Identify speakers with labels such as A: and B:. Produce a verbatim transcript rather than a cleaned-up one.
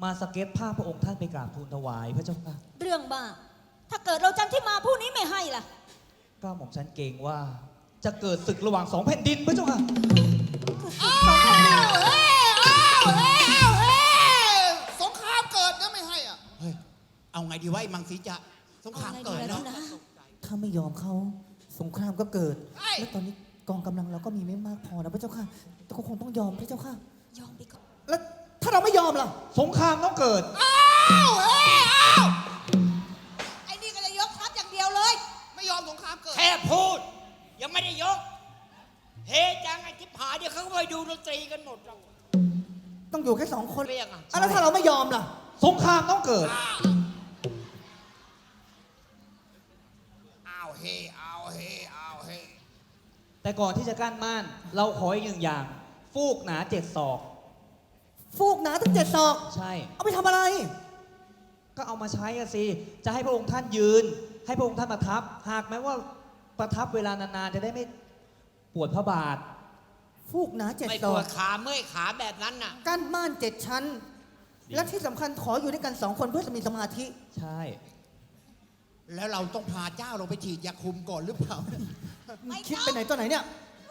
A: มาสเก็ตภาพพระองค์ท่านไปกราบทูลถวายพระเจ้าค่ะ
B: เรื่องบ้าถ้าเกิดเราจันที่มาผู้นี้ไม่ให้ล่ะ
A: ก็หม่อมฉันเกรงว่า จะเกิดศึกระหว่างสองแผ่นดินพระเจ้าค่ะ
C: อ้าวเฮ้ยอ้าวเฮ้ยอ้าวเฮ้ยสงครามเกิดนะไม่ให้อ่ะ
D: เฮ้ย เอาไงดีวะไอ้มังสีจะสงครามเกิดแล้ว
E: ถ้าไม่ยอมเขาสงครามก็เกิด และตอนนี้กองกำลังเราก็มีไม่มากพอนะพระเจ้าค่ะ แต่ก็คงต้องยอมพระเจ้าค่ะ
B: ยอมไปก่อน
E: แล้วถ้าเราไม่ยอมล่ะ
A: สงครามต้องเกิด
C: อ้าวเฮ้ยอ้าว
B: ไอ้นี่ก็จะยกทัพอย่างเดียวเลย
C: ไม่ยอมสงครามเกิด
D: แค่พูด ยังไม่ได้ยก เฮจังไอ้ทิพหายเดี๋ยวเขาก็ไปดูดนตรีกันหมดแล้ว
E: ต้องอยู่แค่สองคน
D: เรียกอ่ะ
E: อ่ะแล้วถ้าเราไม่ยอมล่ะ
A: สงครามต้องเกิด
C: อ้าวเฮ้ยอ้าวเฮ้ยอ้าวเฮ้ย
A: แต่ก่อนที่จะกั้นม่าน เราขออีกหนึ่งอย่าง ฟูกหนาเจ็ดศอก
E: ฟูกหนาตั้งเจ็ดศอก
A: ใช่
E: เอาไปทำอะไร
A: ก็เอามาใช้อะสิ จะให้พระองค์ท่านยืน ให้พระองค์ท่านประทับ หากแม้ว่าประทับเวลานานๆ จะได้ไม่ปวดพระบาท
E: ฟูกหนาเจ็ด
D: ไม่
E: ศ
D: ป
E: อ
D: ว
E: ก
D: ดขาเมื่อยขาแบบนั้นน่ะ
E: กั้นม่านเจ็ดชั้น และที่สำคัญขออยู่ด้วยกันสองคนเพื่อจะมีสมาธิ
A: ใช่
D: แล้วเราต้องพาเจ้าเราไปฉีดยาคุมก่อนหรือเปล่า
B: ไม่
E: คิด
B: ต้อง
E: ไปไหนตัวไหนเนี่ย
B: เ